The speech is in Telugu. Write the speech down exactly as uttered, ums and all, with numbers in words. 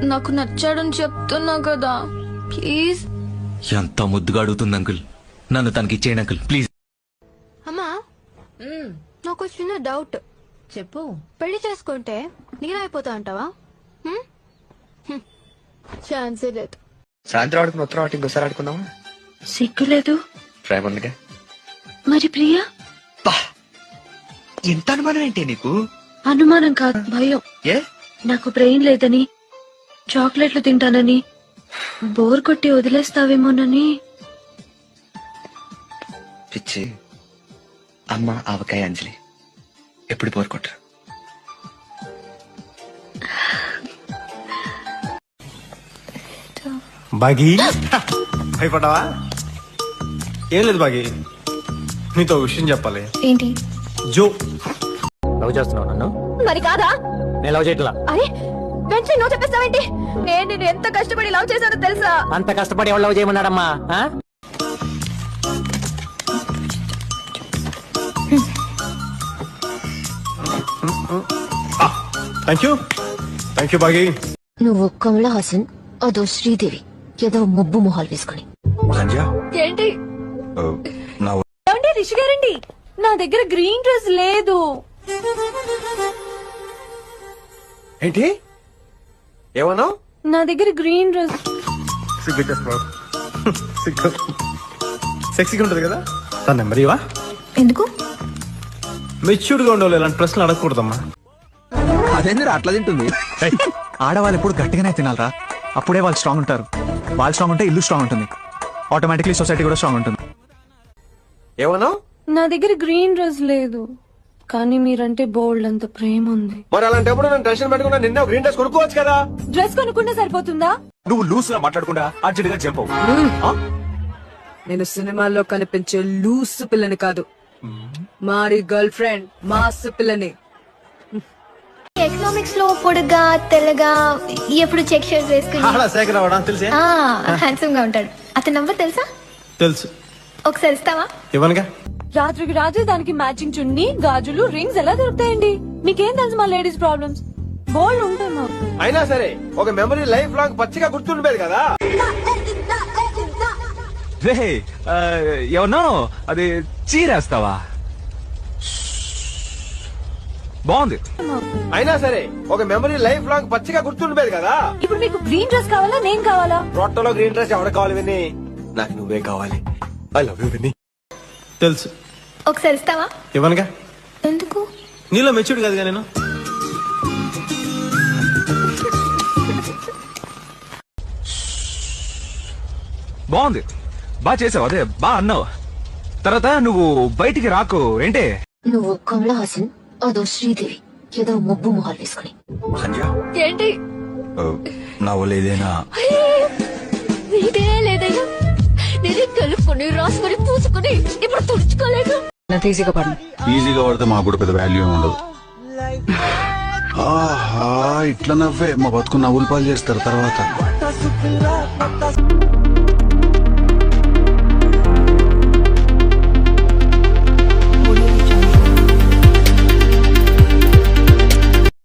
నాకు నచ్చాడని చెప్తున్నా కదా ప్లీజ్. ఎంత ముద్దుగా అడుగుతుంది అంకుల్, నన్ను తనకి ఇచ్చేయండి అంకుల్ ప్లీజ్. అమ్మా నాకు చిన్న డౌట్. చెప్పు. పెళ్లి చేసుకుంటే నేనైపోతా అంటావా? ఛాన్సే లేదు. సాయంత్రం ఆడుకుని ఉత్తరం ఆట ఇంకోసారి ఆడుకుందామా? సిగ్గులేదు. ప్రేమ ఉందిగా. మరి ప్రియా? ఎంత అనుమానం ఏంటి నీకు? అనుమానం కాదు, భయం. ఏ? నాకు బ్రెయిన్ లేదని, చాక్లెట్లు తింటానని, బోర్ కొట్టి వదిలేస్తావేమోనని. పిచ్చి అమ్మ ఆవకాయ అంజలి ఎప్పుడు పోరుకుంటారు. బాగి భయపడ్డావా? ఏం లేదు బాగి, నీతో విషయం చెప్పాలి. ఏంటి? జో లవ్ చేస్తున్నావు నన్ను? మరి కాదా? నేను లవ్ చేయట్లా. అరే వెంటనే నువ్వు చెప్పేస్తావేంటి? నేను నేను ఎంత కష్టపడి లవ్ చేశానో తెలుసా? అంత కష్టపడి ఎవరు లవ్ చేయమన్నాడమ్మా? థ్యాంక్ యూ థ్యాంక్ యూ బాగి. నువ్వు కమలా హాసన్, అదో శ్రీదేవి, ఏదో ముబ్బు మొహాలు వేసుకుని. ఏంటి రిషి గారండి, నా దగ్గర గ్రీన్ డ్రెస్ లేదు. ఏంటి ఏమన్నావు? నా దగ్గర గ్రీన్ డ్రెస్. సెక్సీగా ఉంటది కదా, తన నెంబర్ ఇవా? ఎందుకు? మెచ్యూర్డ్ గా ఉండవు ఇలాంటి ప్రశ్నలు అడగకూడదమ్మా. అదేంద్ర అట్లా తింటుంది? ఆడవాళ్ళు ఎప్పుడు గట్టిగానే తినాలరా, అప్పుడే వాళ్ళు స్ట్రాంగ్ ఉంటారు. వాళ్ళు స్ట్రాంగ్ ఉంటే ఇల్లు స్ట్రాంగ్ ఉంటుంది, ఆటోమేటిక్లీ సొసైటీ కూడా స్ట్రాంగ్ ఉంటుంది. ఏమన్నావు? నా దగ్గర గ్రీన్ డ్రెస్ లేదు, కానీ మీరంటే బోల్డ్ అంత ప్రేమ ఉంది. మరి అలాంటప్పుడు నేను టెన్షన్ పెట్టుకున్నా, నిన్న గ్రీన్ డ్రెస్ కొనుక్కోవచ్చు కదా. డ్రెస్ కొనుక్కుంటే సరిపోతుందా? నువ్వు లూస్ గా మాట్లాడకుండా అర్జెంట్ గా చెప్పవు. నేను సినిమాల్లో కనిపించే లూస్ పిల్లని కాదు, మారి గర్ల్ ఫ్రెండ్ మాస్ పిల్లని. ఎకనామిక్స్ లో పొడుగా తెల్లగా ఎప్పుడు చెక్ షర్ట్ వేసుకుని శేఖర్ అవడం తెలిసే, హ్యాండ్సమ్ గా ఉంటాడు. అతని నంబర్ తెలుసా? తెలుసు. ఒకసారి ఇస్తావా? ఇవ్వనుగా. రాత్రికి రాత్రి దానికి మ్యాచింగ్ చున్నీ, గాజులు, రింగ్స్ ఎలా దొరుకుతాయండి? మీకేం తెలుసు మా లేడీస్ ప్రాబ్లమ్స్? బోల్డ్ ఉంటాయి మాకు. అయినా సరే ఒక మెమరీ లైఫ్ లాంగ్ పచ్చిగా గుర్తుండిపోయేది కదా. రే ఏమన్నా అది చీరేస్తావా? బాగుంది. అయినా సరే ఒక మెమరీ లైఫ్ లాంగ్ పచ్చిగా గుర్తుండిపోయేది కదా. ఇప్పుడు మీకు గ్రీన్ డ్రెస్ కావాలా, నేను కావాలా? రొట్టెలో గ్రీన్ డ్రెస్ ఎవడ కావాలి విని? నాకు నువ్వే కావాలి. ఐ లవ్ యూ విని. తెలుసు. ఒకసారి ఇస్తావా? ఇవ్వనుగా. ఎందుకు? నీలో మెచ్యూర్డ్ కాదుగా నేను. బాగుంది, బాగా చేసావు, అదే బా అన్నావు. తర్వాత నువ్వు బయటికి రాకు ఏంటే. నువ్వు కమలా హాసన్, అదో శ్రీదేవి, ఏదో ముబ్బు మొహాలు వేసుకుని. ఏంటి? నా లేదేనా? నీదే లేదైనా నేనే కలుపుకొని రాసుకొని పూసుకొని ఇప్పుడు తుడుచుకోలేదు. ఈజీగా పడు. ఈజీగా పడితే మాకు కూడా పెద్ద వాల్యూ ఉండదు. ఆహా ఇట్లా నవ్వే మా బతుకు నవ్వులు పాలు చేస్తారు తర్వాత.